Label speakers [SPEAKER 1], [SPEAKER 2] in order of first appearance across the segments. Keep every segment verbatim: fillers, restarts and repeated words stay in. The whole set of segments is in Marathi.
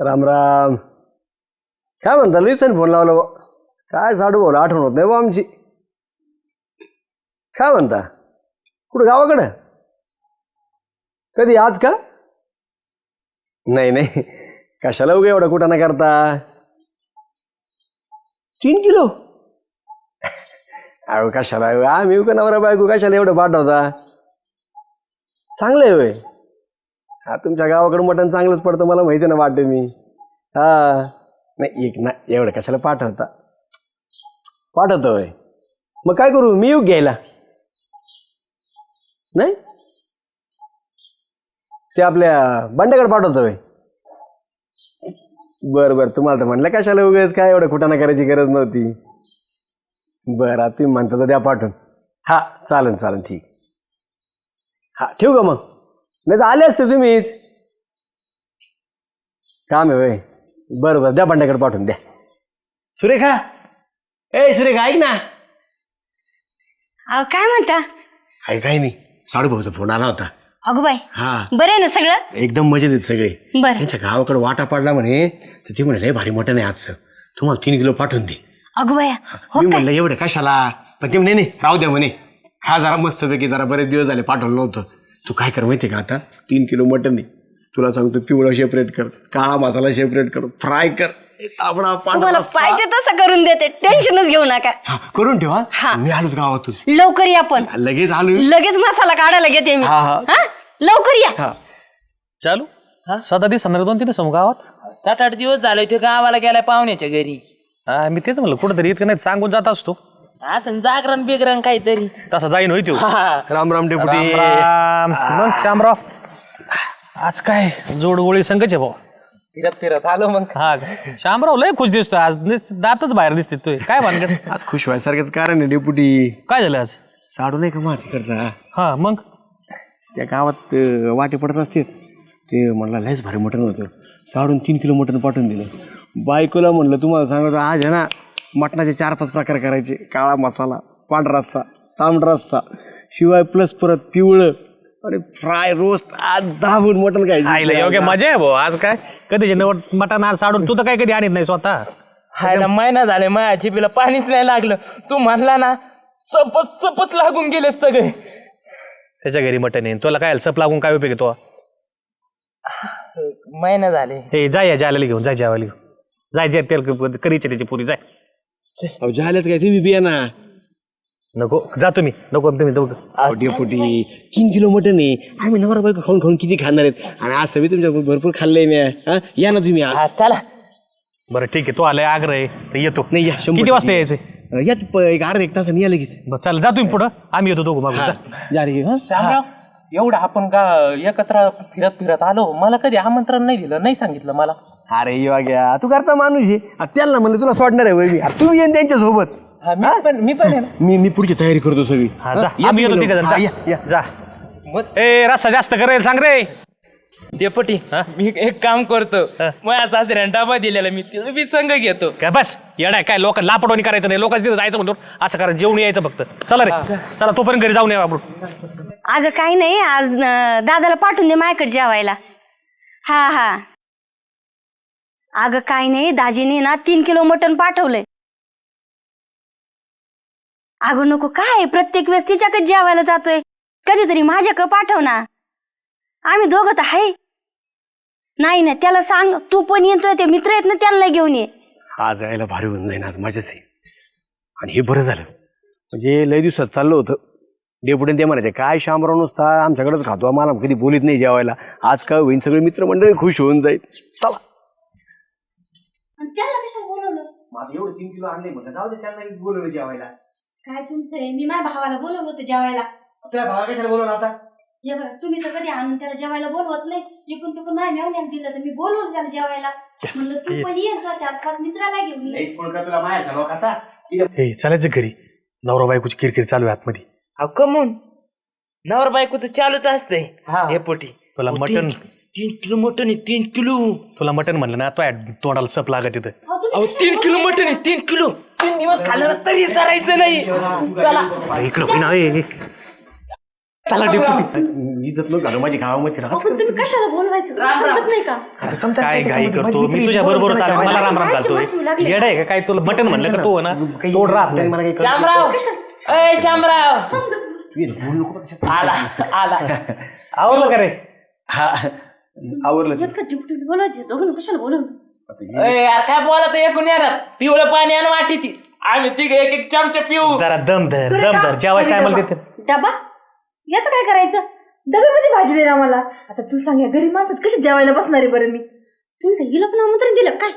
[SPEAKER 1] राम राम. काय म्हणता लईसन फोन लावला बा. काय साडू बोला आठवण होत नाही बा आमची. काय म्हणता कुठं गावाकडं कधी आज का? नाही नाही कशाला उगा एवढा कुठं ना करता. तीन किलो अहो कशाला आम्ही का नवरा बायको कशाला एवढं पाठवता. चांगलं आहे होय. हा तुमच्या गावाकडं मटण चांगलंच पडतं मला माहिती ना वाटतं मी. हा नाही एक ना एवढं कशाला पाठवता. पाठवतो होय मग काय करू मी येऊ घ्यायला. नाही ते आपल्या बंड्याकडे पाठवतोय. बरं बरं तुम्हाला तर म्हणलं कशाला उगाच काय एवढं कुठाना करायची गरज नव्हती. बरं तुम्ही म्हणता तर द्या पाठवून. हा चालेल चालेल ठीक. हा ठेवू का मग. नाही तर आले असते तुम्हीच. काम आहे होय. बरं बरं द्या बंड्याकडे पाठवून द्या. सुरेखा ए सुरेखा ऐक ना.
[SPEAKER 2] अहो काय म्हणता?
[SPEAKER 1] आहे काही नाही साडू भाऊचा फोन आला होता.
[SPEAKER 2] अगो बाई
[SPEAKER 1] हा
[SPEAKER 2] बरे ना सगळं?
[SPEAKER 1] एकदम मजेत आहेत सगळे.
[SPEAKER 2] बरं
[SPEAKER 1] त्यांच्या गावाकडे वाटा पडला म्हणे तर ते म्हणे लय भारी मटण आहे आजचं तुम्हाला तीन किलो पाठवून दे.
[SPEAKER 2] अगो बाया हो
[SPEAKER 1] मी
[SPEAKER 2] काय?
[SPEAKER 1] म्हणलं एवढं कशाला पण ते म्हणे नाही राहू द्या म्हणे खा जरा मस्तपैकी जरा बरेच दिवस झाले पाठवलं नव्हतं. तू काय कर माहिती का आता तीन किलो मटण आहे तुला सांगतो पिवळा सेपरेट कर काळा मसाला सेपरेट कर फ्राय कर तांबडा
[SPEAKER 2] तुम्हाला
[SPEAKER 1] पांढरा
[SPEAKER 2] पाहिजे तसं करून देते टेन्शनच घेऊ नका.
[SPEAKER 1] हा, करून ठेवा.
[SPEAKER 2] हा.
[SPEAKER 1] मी आलोच गावातून
[SPEAKER 2] लवकर या पण
[SPEAKER 1] लगेच आलो.
[SPEAKER 2] लगेच मसाला काढायला घेते मी.
[SPEAKER 1] हा, हा.
[SPEAKER 2] हा लवकर या.
[SPEAKER 1] हा
[SPEAKER 3] चालू सदा दिवस दोन तिथे समोर गावात
[SPEAKER 4] सात आठ दिवस झाले ते गावाला गेलाय पाहुण्याच्या घरी.
[SPEAKER 3] हा मी तेच म्हणलं कुठंतरी इतकं नाही सांगून जात असतो.
[SPEAKER 4] असं जागरण बिगरण काहीतरी.
[SPEAKER 3] तसा जाईन होई तो.
[SPEAKER 1] राम राम डेपुटी.
[SPEAKER 3] मग श्यामराव आज काय जोडगोळी संघच आहे भाऊ.
[SPEAKER 4] फिरत फिरत आलो मग.
[SPEAKER 3] हा श्यामराव लय खुश दिसतोय आज नुसतं दातच बाहेर दिसते तू काय भानगड.
[SPEAKER 1] आज खुश व्हायसारखंच कारण आहे डेपुटी.
[SPEAKER 3] काय झालं आज?
[SPEAKER 1] साडू नाही का मातीकडचा
[SPEAKER 3] हा मग
[SPEAKER 1] त्या गावात अं, वाटे पडत असते ते म्हणला लयच भारी मटण होतं साडून तीन किलो मटण पाठवून दिलं. बायकोला म्हणलं तुम्हाला सांगायचं आज आहे ना मटणाचे चार पाच प्रकार करायचे काळा मसाला पांढरा रस्सा तांबडा रस्सा शिवाय प्लस परत पिवळं आणि फ्राय रोस्ट आज दाबून मटण
[SPEAKER 3] आईला योग्य
[SPEAKER 1] खायचं.
[SPEAKER 3] मजा आहे भाऊ आज काय कधी मटण आज साडून तू तर काय कधी आणत नाही स्वतः.
[SPEAKER 4] हायला महिना झाले माझ्या जिभेला पाणीच नाही लागलं. तू म्हणला ना सपच सपच लागून गेले सगळे.
[SPEAKER 3] त्याच्या घरी मटण आहे तुला काय सप लागून काय उपयोग तो.
[SPEAKER 4] महिना झाले.
[SPEAKER 3] हे जाय या जायला घेऊन जाय जेवायला घेऊन जाय जे तेल करीचे त्याची पुरी जाय.
[SPEAKER 1] अहो झालेच काय तुम्ही बिया ना.
[SPEAKER 3] नको जा तुम्ही नको तुम्ही दोघं.
[SPEAKER 1] अहो, डेपुटी तीन किलो मटण आहे आम्ही नवरा बायको खाऊन खाऊन किती खाणार आहेत आणि आज सगळी तुमच्या भरपूर खाल्लंय मी. हा या ना तुम्ही आज.
[SPEAKER 4] हा चला.
[SPEAKER 3] बरं ठीक आहे तो आलाय आग्रह आहे तर येतो.
[SPEAKER 1] नाही या शंभर
[SPEAKER 3] किती वाजता
[SPEAKER 1] टक्के.
[SPEAKER 3] यायचे?
[SPEAKER 1] याच प- एक अर्धा एक तासाने या लगेच.
[SPEAKER 3] बरं चालेल जा तुम्ही पुढं आम्ही येतो दोघं मागून जा.
[SPEAKER 1] जा रे हा
[SPEAKER 4] श्यामराव एवढं आपण का एकत्र फिरत फिरत आलो मला कधी आमंत्रण नाही दिलं नाही सांगितलं मला.
[SPEAKER 1] अरे योग्या तू घरचा माणूस आहे आ, त्यांना म्हणलं तुला सोडणार आहे वय मी. अरे तुम्ही येईन त्यांच्या सोबत.
[SPEAKER 4] हा मी पण मी पण आहे ना.
[SPEAKER 1] मी मी पुढची तयारी करतो सगळी.
[SPEAKER 3] हा जा
[SPEAKER 1] या
[SPEAKER 3] आम्ही येतो
[SPEAKER 1] तुम्ही
[SPEAKER 3] तिघं
[SPEAKER 1] लवकर.
[SPEAKER 3] जण
[SPEAKER 1] हा,
[SPEAKER 3] जा.
[SPEAKER 1] या, या.
[SPEAKER 3] जा
[SPEAKER 4] मस्त.
[SPEAKER 3] ए रस्सा जास्त करेल सांग रे.
[SPEAKER 4] डेपुटी मी एक काम करतो माझ्या सासऱ्याने डबा दिलेला मी तिथं मी संघ घेतो.
[SPEAKER 3] काय बस येडाय काय लोक लापटवणी करायचं नाही लोकांच्या तिथे जायचं म्हणतो असं करा जेवण यायचं फक्त. चला रे चला तोपर्यंत घरी जाऊन या आपण.
[SPEAKER 2] अगं काही नाही आज अं, दादाला पाठवून दे माझ्याकडे जेवायला. हा हा अगं काही नाही दाजीने ना तीन किलो मटण पाठवलंय. अगं नको काय प्रत्येक वेळेस तिच्याकडे जेवायला जातोय कधीतरी माझ्याकडे पाठव ना. आम्ही दोघं तर आहे. नाही ना त्याला सांग तू पण येतोय ते मित्र आहेत ना त्यांना घेऊन ये.
[SPEAKER 1] आज यायला भारी होऊन जाईन आज मजाच आहे. आणि हे बरं झालं म्हणजे लय दिवसात चाललं होतं. डेपुटीने ते म्हणायचे काय शामराव नुसता आमच्याकडेच खातो आम्हाला कधी बोलीत नाही जेवायला. आज काय होईन सगळे मित्रमंडळी खुश होऊन जाईल. चला
[SPEAKER 2] त्याला कशाला बोलवलं?
[SPEAKER 1] माझं एवढं तीन किलो आणले म्हटलं जाऊ दे त्यांना बोलवलं जेवायला.
[SPEAKER 2] काय तुमचं आहे? मी माझ्या भावाला बोलवलं होतं जेवायला.
[SPEAKER 1] तुझ्या भावा कशाला बोलवलं आता?
[SPEAKER 2] हे बघा तुम्ही तर कधी आणून त्याला जेवायला बोलवत नाही. इकडून तिकडून नाही मेवण्याला दिलं तर मी बोलवलं त्याला जेवायला. म्हणलं तू पण ये तुझ्या चार पाच मित्राला घेऊन ये.
[SPEAKER 1] तुला माहेर लोकांचा
[SPEAKER 3] हे चालायचं घरी नवरा बायकोची किरकिर चालू आहे आतमध्ये.
[SPEAKER 4] अहो कमून नवर बायको तर चालूच असतंय. डेपुटी
[SPEAKER 3] तुला मटण
[SPEAKER 4] तीन किलो मटन आहे तीन किलो.
[SPEAKER 3] तुला मटण म्हणलं ना तो तोंडाला सप लागत तिथं.
[SPEAKER 2] अहो, तुम्ही
[SPEAKER 4] अहो तीन किलो मटन आहे तीन किलो. तीन दिवस खाल्लं तरी सरायचं नाही. चला
[SPEAKER 3] इकडं होईना, ए, ए. चला डेपुटी
[SPEAKER 1] इज्जत नको घालू माझी गावामध्ये राहत.
[SPEAKER 2] पण तुम्ही कशाला बोलवायचं समजत नाही का?
[SPEAKER 3] काय घाई करतो मी तुझ्या बरोबर चालेल मला राम राम घालतोय येड आहे का काय तुला मटन म्हणलं का तू ना तोड राहत
[SPEAKER 1] मला काही कळत
[SPEAKER 4] श्यामराव अय श्यामराव
[SPEAKER 1] नाही. बोलू नको बरं.
[SPEAKER 4] आला आला
[SPEAKER 3] आवडलं का रे
[SPEAKER 1] हा आवरलं.
[SPEAKER 2] इतकं टिपटिप बोलायचं दोघं कशाला बोलवलं?
[SPEAKER 4] अय यार काय बोलत एकूण येणार पिवळं पाणी आणि वाटी ती आम्ही तिघ एक एक चमचे पिऊ
[SPEAKER 3] जरा दम धर दम धर जेवायचं टायमाला देते
[SPEAKER 2] डबा याचं काय करायचं?
[SPEAKER 5] डब्यामध्ये भाजी दे ना मला. आता तू सांग या गरीब माणसात कशी जेवायला बसणार आहे बरं मी?
[SPEAKER 2] तुम्ही काय हिला पण आमंत्रण दिलं काय?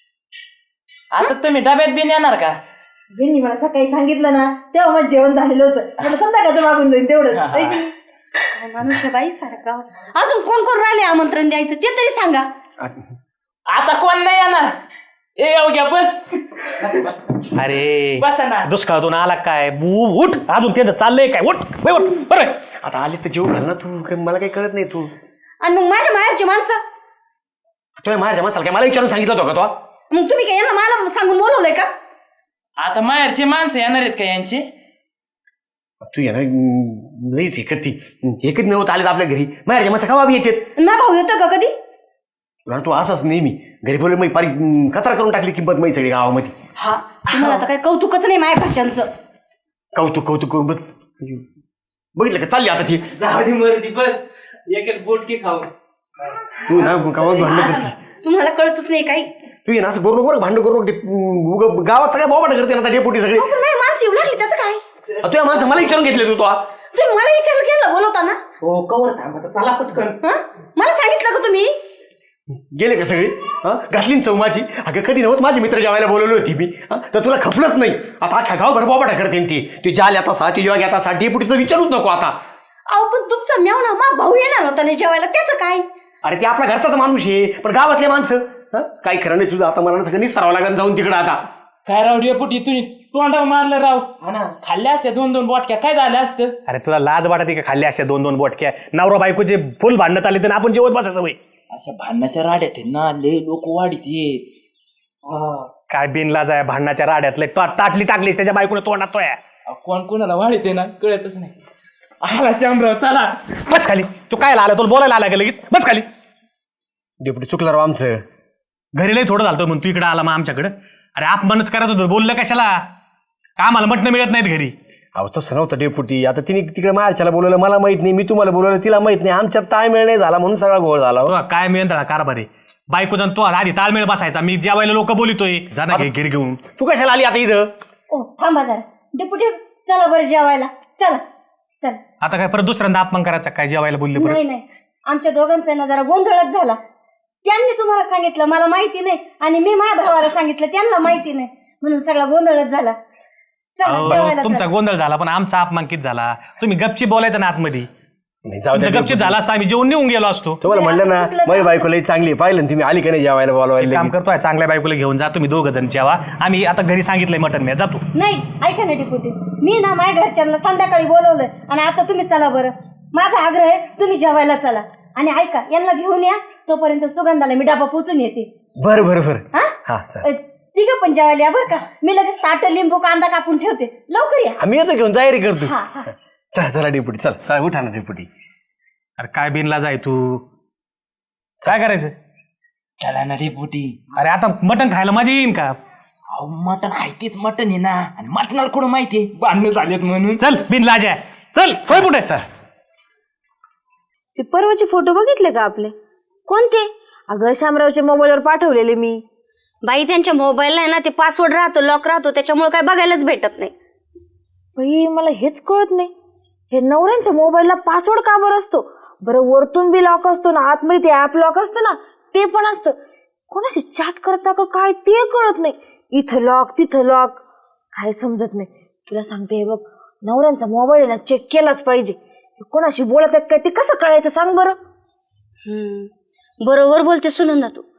[SPEAKER 4] आता तुम्ही डब्यात बिन येणार का?
[SPEAKER 5] यांनी मला सकाळी सांगितलं ना तेव्हा माझं जेवण झालेलं होतं. मला संध्याकाळचं मागून जाईल तेवढंच. है की नाही?
[SPEAKER 2] काय माणूस आहे बाई सारखा. अजून कोण कोण राहिले आमंत्रण द्यायचं ते तरी सांगा.
[SPEAKER 4] आता कोण नाही येणार ए येऊ घ्या बस
[SPEAKER 3] अरे
[SPEAKER 4] बसा ना.
[SPEAKER 3] दुष्काळातून आला काय बू उठ अजून त्यांचं चाललंय काय उठ बे उठ बरं
[SPEAKER 1] आता आले तर जेव घाल ना तू. काही मला काही कळत नाही तू.
[SPEAKER 2] आणि मग माझ्या माहेरची माणसं
[SPEAKER 1] तुझ्या माझ्या माणसाला काय मला विचारून सांगितलं होतं का तो?
[SPEAKER 2] मग तुम्ही काय यांना मला सांगून बोलवलंय का?
[SPEAKER 4] आता माहेरचे माणसं येणार आहेत का यांचे?
[SPEAKER 1] तू येणार लईच एकत ती एकच नव्हतं आले आपल्या घरी माझ्या माणसं का येतात
[SPEAKER 2] ना भाऊ येतो का कधी?
[SPEAKER 1] तू असाच नेहमी घरी बोलले मी पारी कचरा करून टाकली किंमत माहिती सगळी गावामध्ये.
[SPEAKER 2] हा तुम्हाला आता काय कौतुकच नाही माझ्या घरच्यांचं.
[SPEAKER 1] कौतुक कौतुक करून बस बघितलं का चालली आता ती.
[SPEAKER 4] जाऊ मरती बस एक एक बोटकी खाऊ
[SPEAKER 1] तू ना गावात भांडण करते.
[SPEAKER 2] तुम्हाला कळतच नाही काही.
[SPEAKER 1] तू ये ना असं करू नको भांडण करू नको. गावात सगळ्या बोबाट करते ना डेपुटी सगळे.
[SPEAKER 2] पण माझी माणसं येऊ लागली त्याचं काय?
[SPEAKER 1] तुझ्या माणसं मला विचारून घेतले तू तो.
[SPEAKER 2] तुम्ही मला विचारलं केलं बोलवता ना?
[SPEAKER 4] हो कवर थांबा चला पटकन.
[SPEAKER 2] हं? मला सांगितलं का तुम्ही?
[SPEAKER 1] गेले का सगळे हा घातली ना चौमाची. अगं कधी नव्हत माझे मित्र जेवायला बोलवली होती मी तर तुला खपलंच नाही. आता अख्ख्या गावभर बोबाटा करते ती. ती जाल आता सा ती योग आता सा डेपुटीचं विचारूच नको आता.
[SPEAKER 2] अहो पण तुमचा मेवणा मा भाऊ येणार होता ना जेवायला त्याचं काय?
[SPEAKER 1] अरे ते आपल्या घरचाच माणूस आहे पण गावातले माणसं हा काही खरं नाही तुझं. आता मला सगळं निसरावं लागेल जाऊन तिकडं आता.
[SPEAKER 4] काय राव डेपुटी तुम्ही तोंडावर मारलं राव हा ना खाल्ल्या असत्या दोन दोन बोटक्या काय झालं असतं?
[SPEAKER 3] अरे तुला लाज वाटत का खाल्ली असते दोन दोन बोटक्या नवरा बायकोचे फुल भांडण्यात आले तर आपण जेवत बसायचं वय.
[SPEAKER 4] अशा भांडणाच्या राड्यात आहे ना लय लोक वाढीत येत.
[SPEAKER 3] काय बिनलाज आहे भांडणाच्या राड्यातले ताटली टाकलीस त्याच्या बायकोने तोंडात तोय.
[SPEAKER 4] कोण कोणाला वाढीत आहे ना कळतच नाही. आला श्यामराव चला
[SPEAKER 3] बस खाली तू काय आला तुला बोलायला आला का लगेच बस खाली.
[SPEAKER 1] डेपुटी चुकलं राव आमचं.
[SPEAKER 3] घरी लई थोडं झालं म्हणून तू इकडे आला मग आमच्याकडं. अरे आपणच करत होतो बोललं कशाला आम्हाला मटणं मिळत नाहीत घरी.
[SPEAKER 1] अहो तसं नव्हतं डेपुटी. आता तिने तिकडे मारच्याला बोलवलं मला माहित नाही. मी तुम्हाला बोलवलं तिला माहित नाही. आमच्यात ताळमेळ नाही झाला म्हणून सगळा घोळ झाला.
[SPEAKER 3] हो, काय मिळेल कारभार आहे बायको जाऊन तो आधी ताळमेळ बसायचा मी जेवायला लोक बोलितोय जाना घे घरी घेऊन.
[SPEAKER 1] तू कशाला आली आता इथं?
[SPEAKER 2] ओ थांबा जरा डेपुटी चला बरं जेवायला चला चला.
[SPEAKER 3] आता काय परत दुसऱ्यांदा अपमान करायचा काय जेवायला बोलले परत?
[SPEAKER 2] नाही नाही आमच्या दोघांचा ना जरा गोंधळच झाला. त्यांनी तुम्हाला सांगितलं मला माहिती नाही आणि मी माझ्या भावाला सांगितलं त्यांना माहिती नाही म्हणून सगळा गोंधळच झाला. चला
[SPEAKER 3] अहो,
[SPEAKER 2] जेवायला
[SPEAKER 3] तुमचा
[SPEAKER 2] चला.
[SPEAKER 3] गोंधळ झाला पण आमचा अपमान किती झाला. तुम्ही गपची बोलायचं ना आतमध्ये.
[SPEAKER 1] नाही जाऊ द्या
[SPEAKER 3] तुमचं गपचीप झाला असता आम्ही जेवून निघून गेलो असतो.
[SPEAKER 1] तुम्हाला म्हणलं ना माझी बायको लई चांगली आहे. पाहिलं ना तुम्ही आली का नाही जेवायला
[SPEAKER 3] एक
[SPEAKER 1] बोलवायला.
[SPEAKER 3] काम करतोय चांगल्या बायकोला घेऊन जा तुम्ही दोघं जण जेवा. आम्ही आता घरी सांगितलंय मटन मी जातो.
[SPEAKER 2] नाही ऐका ना डेपुटी मी ना माझ्या घरच्यांना संध्याकाळी बोलवलंय आणि आता तुम्ही चला बरं. माझा आग्रह आहे तुम्ही जेवायला चला आणि ऐका यांना घेऊन या तोपर्यंत सुगंधाला मी डबा पोचून येते.
[SPEAKER 1] बरं बरं बरं
[SPEAKER 2] हा
[SPEAKER 1] हा
[SPEAKER 2] अ, तिघं पण जेवायला या बरं का. मी लगेच ताट लिंबू कांदा कापून ठेवते लवकर या.
[SPEAKER 1] आम्ही येतो घेऊन तयारी करतो.
[SPEAKER 2] हा हा
[SPEAKER 1] चला चला डेपुटी चला चला उठा ना डेपुटी.
[SPEAKER 3] अरे काय बिनला जाय तू काय करायचं.
[SPEAKER 4] चला ना डेपुटी.
[SPEAKER 3] अरे आता मटण खायला मजा येईन का.
[SPEAKER 4] अहो मटण आहे तेच मटण आहे ना आणि मटणाला कुठं माहितीये भांडणं झालेत म्हणून.
[SPEAKER 3] चल बिनलाजा चल होय पुढे चल.
[SPEAKER 5] ते परवाचे फोटो बघितले का आपले?
[SPEAKER 2] कोणते?
[SPEAKER 5] अगं शामरावच्या मोबाईलवर पाठवलेले मी.
[SPEAKER 2] बाई त्यांच्या मोबाईलला आहे ना ते पासवर्ड राहतो लॉक राहतो त्याच्यामुळे काय बघायलाच भेटत नाही.
[SPEAKER 5] बाई मला हेच कळत नाही हे नवऱ्यांच्या मोबाईलला पासवर्ड का बरं असतो बरं? वरतून बी लॉक असतो ना आतमध्ये ते ऍप लॉक असतं ना ते पण असतं. कोणाशी चॅट करता का काय ते कळत नाही. इथं लॉक तिथं लॉक काय समजत नाही. तुला सांगते हे बघ नवऱ्यांचा मोबाईल ना चेक केलाच पाहिजे. कोणाशी बोलत आहे काय ते कसं कळायचं सांग बरं?
[SPEAKER 2] हम्म बरोबर बोलते सुनंदा तू.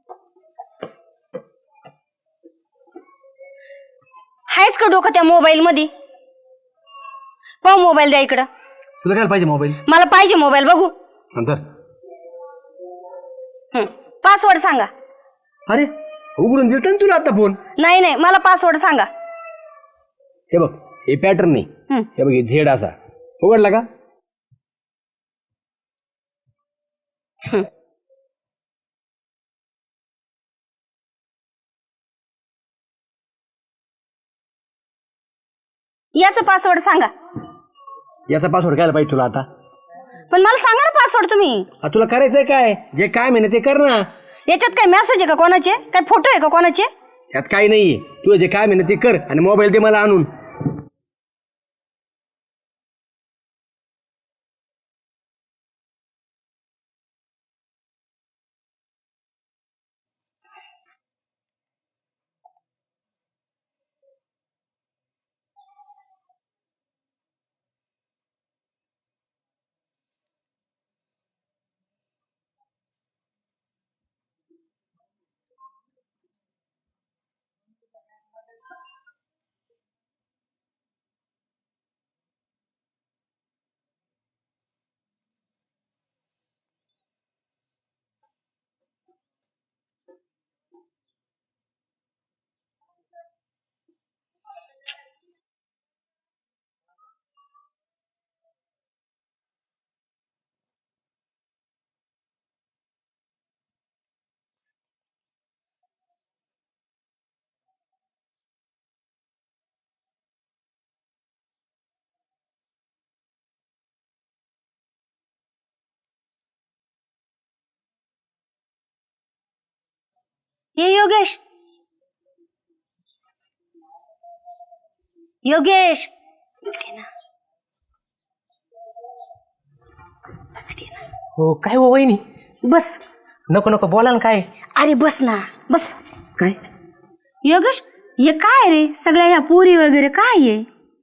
[SPEAKER 2] हायच का डोकं त्या मोबाईल मध्ये? पाहू मोबाईल द्या इकडं.
[SPEAKER 1] तुला काय पाहिजे मोबाईल?
[SPEAKER 2] मला पाहिजे मोबाईल बघू.
[SPEAKER 1] नंतर
[SPEAKER 2] पासवर्ड सांगा.
[SPEAKER 1] अरे उघडून दिलता ना तुला आता फोन.
[SPEAKER 2] नाही नाही मला पासवर्ड सांगा.
[SPEAKER 1] हे बघ हे पॅटर्न नाही
[SPEAKER 2] हम्म.
[SPEAKER 1] हे बघ हे झेड असा उघडला का
[SPEAKER 2] याचा पासवर्ड सांगा.
[SPEAKER 1] याचा पासवर्ड काय पाहिजे तुला आता?
[SPEAKER 2] पण मला सांगा ना पासवर्ड तुम्ही.
[SPEAKER 1] आ, तुला करायचंय काय? जे काय म्हणे ते कर ना.
[SPEAKER 2] याच्यात काय मेसेज आहे का कोणाचे? काय फोटो आहे का कोणाचे?
[SPEAKER 1] त्यात काही नाहीये. तू जे काय म्हणे ते कर आणि मोबाईल दे मला आणून.
[SPEAKER 2] ये योगेश, योगेश
[SPEAKER 4] हो काय हो वहिनी?
[SPEAKER 2] बस.
[SPEAKER 4] नको नको बोला ना. काय?
[SPEAKER 2] अरे बस ना बस.
[SPEAKER 4] काय?
[SPEAKER 2] योगेश हे काय रे सगळ्या ह्या पुरी वगैरे काय आहे?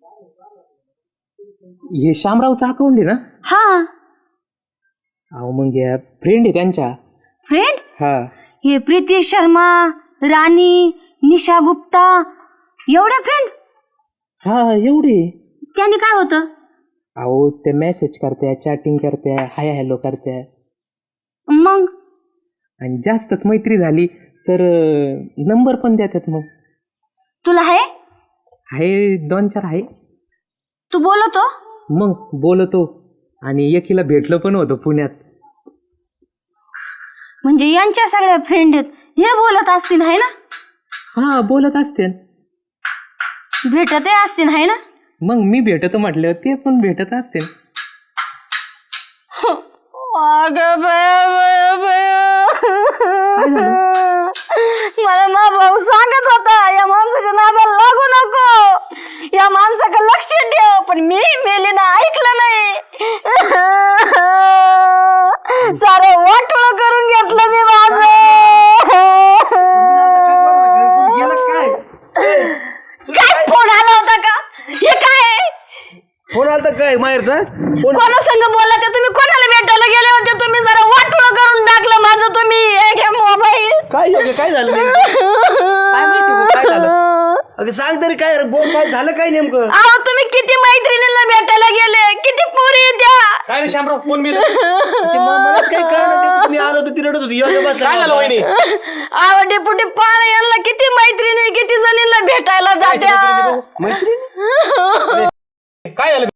[SPEAKER 4] हे शामरावचं अकाउंट आहे ना?
[SPEAKER 2] हा.
[SPEAKER 4] अहो मग या फ्रेंड आहे त्यांच्या.
[SPEAKER 2] फ्रेंड?
[SPEAKER 4] हा.
[SPEAKER 2] हे प्रीती शर्मा, राणी, निशा गुप्ता एवढ्या फ्रेंड?
[SPEAKER 4] हा एवढे.
[SPEAKER 2] त्यांनी काय होतं?
[SPEAKER 4] अहो ते मेसेज करत्या, चॅटिंग करत्या, हाय हॅलो करत्या.
[SPEAKER 2] मग
[SPEAKER 4] आणि जास्तच मैत्री झाली तर नंबर पण देतात. मग
[SPEAKER 2] तुला आहे?
[SPEAKER 4] आहे दोन चार आहे.
[SPEAKER 2] तू बोलतो?
[SPEAKER 4] मग बोलतो आणि एकीला भेटलो पण होतो पुण्यात.
[SPEAKER 2] म्हणजे यांच्या सगळ्या फ्रेंड आहेत हे बोलत असतील आहे ना?
[SPEAKER 4] हा बोलत असते.
[SPEAKER 2] भेटतही असतील आहे ना?
[SPEAKER 4] मग मी भेटतो म्हटलं ते पण भेटत असते.
[SPEAKER 2] अगं बया बया बया, मला मा भाऊ सांगत होता या माणसाच्या नादाला लागू नको, या माणसाकडे लक्ष ठेव, पण मी मेली ना ऐकलं नाही. सारं वाटोळं करून घेतलं मी माझं. काय फोन आला होता का? हे काय
[SPEAKER 1] फोन आला तर काय माहेरचा फोन?
[SPEAKER 2] कोणा संग बोलला ते तुम्ही? कोणाला भेटायला गेले होते तुम्ही? जरा वाटोळं करून टाकलं माझं तुम्ही. हे घ्या मोबाईल.
[SPEAKER 1] काय योग्य काय झालं नेमकं?
[SPEAKER 4] काय माहिती हो, काय झालं?
[SPEAKER 1] अगं सांग तरी काय रे, बोल काय झालं काय नेमकं?
[SPEAKER 2] अहो तुम्ही किती मैत्रिणींना भेटायला गेले, किती पोरी द्या.
[SPEAKER 3] काय रे शामराव फोन मी
[SPEAKER 1] ते म- मलाच काही कळलं. मी आलो होतो ती रडत होती. योग्य बसला
[SPEAKER 3] काय झालं वहिनी?
[SPEAKER 2] अहो डेपुटी पान यांना किती मैत्रिणी किती जणींना भेटायला जात्या.
[SPEAKER 1] मैत्रीण
[SPEAKER 3] काय झालं?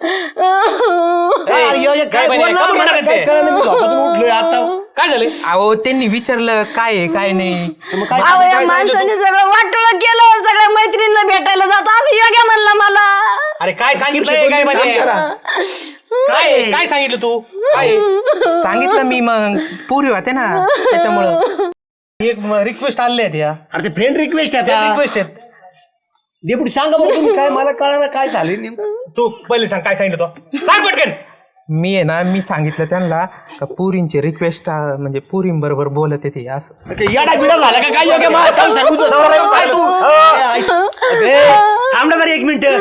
[SPEAKER 1] काय योग्य काय
[SPEAKER 3] काय म्हणे?
[SPEAKER 1] बोलला?
[SPEAKER 3] कबूल
[SPEAKER 1] मला
[SPEAKER 3] करा
[SPEAKER 1] काय
[SPEAKER 3] ते.
[SPEAKER 1] कळलं नाही. मी झोपेतून उठलोय आता.
[SPEAKER 3] काय झालं?
[SPEAKER 4] अहो त्यांनी विचारलं काय आहे काय नाही.
[SPEAKER 1] मग काय
[SPEAKER 2] अहो या
[SPEAKER 3] काय सांगितलं
[SPEAKER 2] माणसाने सगळं वाटोळं केलं, सगळ्या मैत्रिणींना भेटायला जातो असं योग्य म्हणलं मला.
[SPEAKER 3] अरे काय सांगितलंय काय
[SPEAKER 1] काम
[SPEAKER 3] म्हणजे?
[SPEAKER 1] करा.
[SPEAKER 3] काय काय सांगितलं तू? काय
[SPEAKER 4] सांगितलं मी मग पुरी होते ना त्याच्यामुळं.
[SPEAKER 3] एक रिक्वेस्ट आले आहेत या
[SPEAKER 1] अरे ते फ्रेंड रिक्वेस्ट आहे आता.
[SPEAKER 3] रिक्वेस्ट आहेत.
[SPEAKER 1] डेपुटी सांगा बरं तुम्ही काय, मला कळणार काय झालं नेमकं.
[SPEAKER 3] तू पहिले सांग काय सांगितलं तो? सांग पटकन.
[SPEAKER 4] मी आहे ना मी सांगितलं त्यांना का पुरींची रिक्वेस्ट म्हणजे पुरींबरोबर बोलत येते असं.
[SPEAKER 1] ते येडा बिडा झाला का काय योग्य? मला सांग, सांगू तू. काय तू? ए, ऐक. अबे, थांब ना जरा एक मिनिट.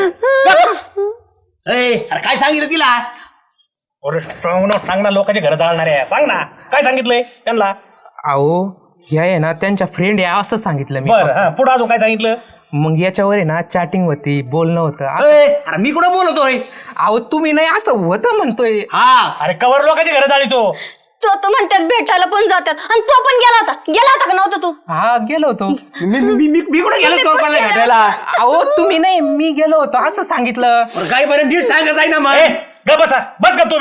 [SPEAKER 1] अरे काय सांगितलं तिला?
[SPEAKER 3] अरे सांग ना, सांग ना, लोकांच्या घर जाळणार आहे. सांग ना काय सांगितलंय त्यांना?
[SPEAKER 4] अहो ह्या आहे ना त्यांच्या फ्रेंड आहे असं सांगितलं मी.
[SPEAKER 3] बरं हा पुढे अजून काय सांगितलं?
[SPEAKER 4] मग याच्यावर आहे ना चॅटिंग होती, बोलणं होतं.
[SPEAKER 1] ए, अरे मी कुठं बोलतोय?
[SPEAKER 4] अहो तुम्ही नाही असं होतं म्हणतोय.
[SPEAKER 1] हा
[SPEAKER 3] अरे कवर लोकांच्या घर जाळी तो.
[SPEAKER 2] तो तर म्हणतात भेटायला पण जातात आणि तो पण गेला होता. गेला होता का नव्हता तू?
[SPEAKER 4] हा गेलो होतो.
[SPEAKER 1] मी मी मी मी कुठं गेलो तो कोणाला भेटायला?
[SPEAKER 4] अहो तुम्ही नाही मी गेलो होतो असं सांगितलं.
[SPEAKER 1] अरे काय बरं नीट सांगत आहे ना मग.
[SPEAKER 3] ए ग बसा बस ग तुम्ही.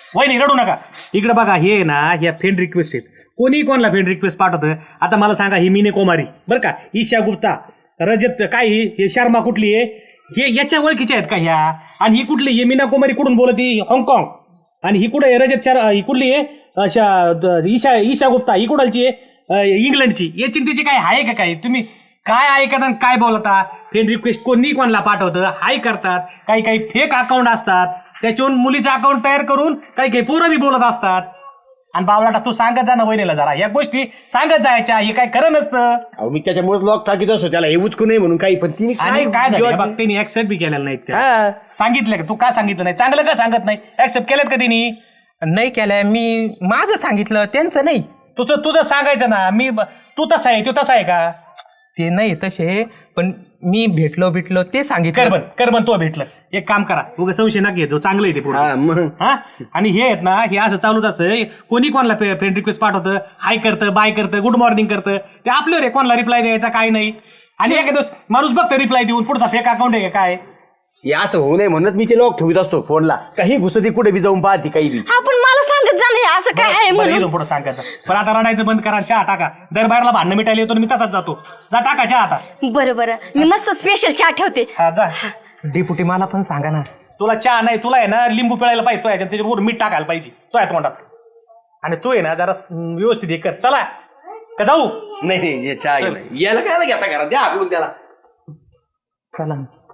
[SPEAKER 3] वहिनी रडू नका. इकडे बघा, हे आहे ना, ह्या फ्रेंड रिक्वेस्ट आहेत. कोणी कोणाला फ्रेंड रिक्वेस्ट पाठवतं. आता मला सांगा, ही मीने कुमारी बरं का, ईशा गुप्ता, रजत काय ही हे शर्मा कुठली आहे, हे याच्या ओळखीच्या आहेत का ह्या? आणि ही कुठली, ही मीना कुमारी कुठून बोलती, हाँगकाँग. आणि ही कुठे आहे रजत शर ही कुठली आहे, अशा द- ईशा ईशा गुप्ता ही कुणालची आहे, अं, इंग्लंडची. याची त्याची काय आहे का काय? तुम्ही काय ऐकता आणि काय बोलता? फ्रेंड रिक्वेस्ट कोणी कोणाला पाठवतं, हाय करतात. काही काही फेक अकाउंट असतात, त्याच्यावरून मुलीचं अकाउंट तयार करून काही काही पोरं बी बोलत असतात. आणि बावलाटा तू सांगत जा ना वहिनीला जरा या गोष्टी सांगत जायच्या. हे काय खरं नसतं.
[SPEAKER 1] अहो मी त्याच्यामुळे लॉक टाकीत असतो त्याला, हे उचकू नये म्हणून काही, पण तिने
[SPEAKER 3] आणि काय झालं बघ, त्यांनी ऍक्सेप्ट बी केलेलं नाहीत का?
[SPEAKER 1] हा.
[SPEAKER 3] सांगितलं का? तू का सांगितलं नाही? चांगलं का सांगत नाही? ऍक्सेप्ट केलेत का त्यांनी?
[SPEAKER 4] नाही केलंय मी, माझं सांगितलं त्यांचं नाही.
[SPEAKER 3] तुझं तुझं सांगायचं ना. मी तू तसा आहे, तो तसा आहे का?
[SPEAKER 4] ते नाही तसे, पण मी भेटलो भेटलो ते सांगितलं.
[SPEAKER 3] करबन करबन तो भेटलं. एक काम करा, उगा संशय ना घेतो, चांगलं आहे ते पुढे.
[SPEAKER 1] हा मग
[SPEAKER 3] हा. आणि हे आहेत ना, हे असं चालूच असं कोणी कोणाला फ्रेंड रिक्वेस्ट पाठवतं, हाय करतं, बाय करतं, गुड मॉर्निंग करतं. ते आपल्यावर आहे कोणाला रिप्लाय द्यायचा काय नाही. आणि एका दिवस माणूस बघतं रिप्लाय देऊन पुढचा फेक अकाउंट आहे का काय.
[SPEAKER 1] हे असं होऊ नये म्हणूनच मी ते लॉक ठेवत असतो फोनला. काही घुसती कुठे बी जाऊन पाहते काही बी.
[SPEAKER 2] हा पण मला सांगत जा नाही असं काय आहे म्हणून.
[SPEAKER 3] इथून पुढे सांगायचं. पण आता रडायचं बंद करा, चहा टाका. दरबारला भांडणं मिटायला येतो, मी तसाच जातो. जा टाका चहा आता.
[SPEAKER 2] बरं बरं, मी मस्त स्पेशल चहा ठेवते.
[SPEAKER 3] हा जा.
[SPEAKER 4] डेपुटी मला पण सांगा ना.
[SPEAKER 3] तुला चहा नाही, तुला आहे ना लिंबू पिळायला पाहिजे, तो आहे त्याच्यावर मीठ टाकायला पाहिजे, तो आहे तोंडात. आणि तू आहे ना जरा व्यवस्थित हे कर. चला का जाऊ?
[SPEAKER 1] नाही नाही, हे चहा गेला. याला काय घेता घरात, द्या हाकलून त्याला.
[SPEAKER 4] चला.